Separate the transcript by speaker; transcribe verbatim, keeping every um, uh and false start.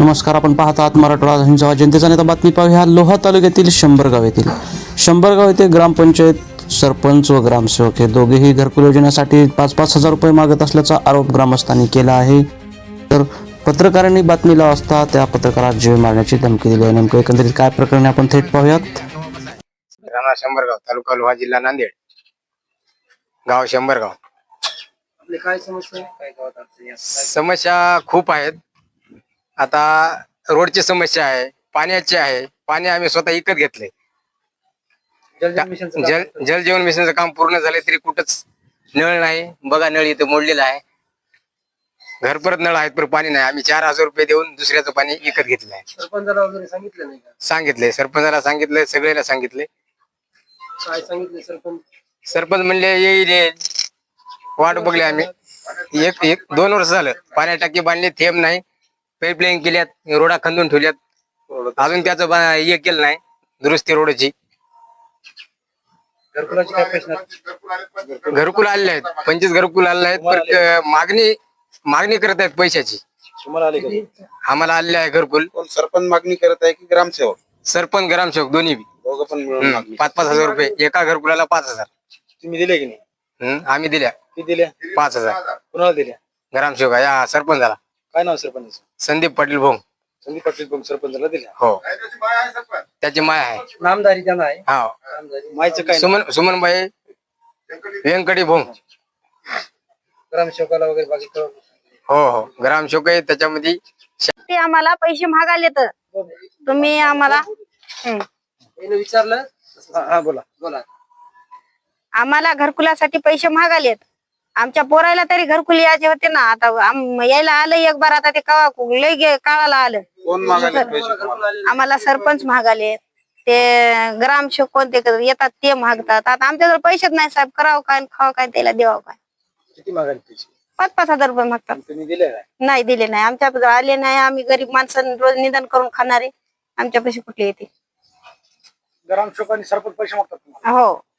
Speaker 1: नमस्कार, आपण पाहत आहात मराठवाडा हिंसावा जनतेचा नेता. बातमी पाहूया लोहा तालुक्यातील शंभरगाव येथील शंभरगाव येथे ग्रामपंचायत सरपंच व ग्रामसेवक हे दोघेही घरकुल योजनेसाठी पाच पाच हजार रुपये मागत असल्याचा आरोप ग्रामस्थांनी केला आहे. तर पत्रकारांनी बातमीला असता त्या पत्रकारास जीव मारण्याची धमकी दिली आहे. नेमकं एकंदरीत काय प्रकरण आपण थेट पाहूयात.
Speaker 2: राणा शंभरगाव, तालुका लोहा, जिल्हा नांदेड, गाव शंभरगाव.
Speaker 3: आपली काय समस्या आहे? काय गावात अडचणी आहेत?
Speaker 2: समस्या खूप आहेत. आता रोडची समस्या आहे, पाण्याची आहे. पाणी आम्ही स्वतः विकत घेतले.
Speaker 3: जलजीवन मिशनचं काम
Speaker 2: जल
Speaker 3: करतो.
Speaker 2: जल जीवन मिशनचं काम पूर्ण झाले तरी कुठंच नळ नाही. बघा, नळ इथं मोडलेला आहे. घर परत नळ आहेत पण पाणी नाही. आम्ही चार हजार रुपये देऊन दुसऱ्याचं पाणी विकत घेतलं आहे.
Speaker 3: सरपंचाला वगैरे सांगितलं नाही का?
Speaker 2: सांगितले, सरपंचाला सांगितले, सगळ्याला सांगितले.
Speaker 3: काय सांगितलं सरपंच?
Speaker 2: सरपंच म्हणले येईल येईल. वाट बघली आम्ही. एक एक दोन वर्ष झालं. पाण्या टाकी बांधली, थेंब नाही. पाईपलाईन केल्यात, रोडा खंदून ठेवल्यात. अजून त्याचं बा- हे केलं नाही, दुरुस्ती रोडची.
Speaker 3: घरकुलाचे काय प्रश्न आहेत?
Speaker 2: घरकुल आलेले आहेत, पंचवीस घरकुल आलेले आहेत. पण क- मागणी मागणी करत आहेत पैशाची.
Speaker 3: तुम्हाला आले का?
Speaker 2: आम्हाला आलेले आहे घरकुल.
Speaker 4: कोण सरपंच मागणी करत आहे की ग्रामसेवक?
Speaker 2: सरपंच ग्रामसेवक दोन्ही बी.
Speaker 4: दोघं पण मिळून
Speaker 2: हम्म,
Speaker 4: मागणी.
Speaker 2: पाच पाच हजार रुपये एका घरकुलाला पाच हजार.
Speaker 3: तुम्ही दिले की नाही?
Speaker 2: हम्म, आम्ही दिल्या
Speaker 3: किती दिल्या?
Speaker 2: पाच हजार.
Speaker 3: कुणाला दिल्या?
Speaker 2: ग्रामसेवक या सरपंचाला
Speaker 3: काय नाव सरपंच?
Speaker 2: संदीप पाटील भोंग.
Speaker 3: संदीप पाटील पण सरपंचाला दिल्या.
Speaker 2: हो, त्याची माय आहे.
Speaker 3: नामदारी त्यांना आहे.
Speaker 2: हा,
Speaker 3: नामदारी मायचं काय?
Speaker 2: सुमन सुमनबाई व्यंकटी भोंग.
Speaker 3: ग्रामसेवकाला वगैरे बाकी कळवलं?
Speaker 2: हो हो, ग्रामसेवक आहे त्याच्यामध्ये.
Speaker 5: ते आम्हाला पैसे मागायले तर तुम्ही आम्हाला हं.
Speaker 3: याने विचारलं? हा हा, बोला बोला.
Speaker 5: आम्हाला घरकुलासाठी पैसे मागायलेत. आमच्या पोरायला तरी घरकुल यायचे होते ना. आता आम- यायला आलं एक बार. आता ते कवा लय गे- काळाला आलं.
Speaker 4: कोण मागायला पैसे तुम्हाला?
Speaker 5: आम्हाला सरपंच मागाले, ते ग्रामसेवक कोणते येतात ते मागतात. आता आमच्याजवळ पैसेच नाही साहेब. करावं काय आणि खावं काय, त्याला देवावं काय.
Speaker 3: किती मागायला पैसे?
Speaker 5: पाच पाच हजार रुपये मागतात.
Speaker 3: तुम्ही दिले काय?
Speaker 5: नाही दिले नाही. आमच्याजवळ आले नाही. आम्ही गरीब माणसं रोज निदान करून खाणारे. आमच्या पैसे कुठले येते?
Speaker 3: ग्रामसेवक आणि सरपंच पैसे मागतात तुम्हाला?
Speaker 5: हो.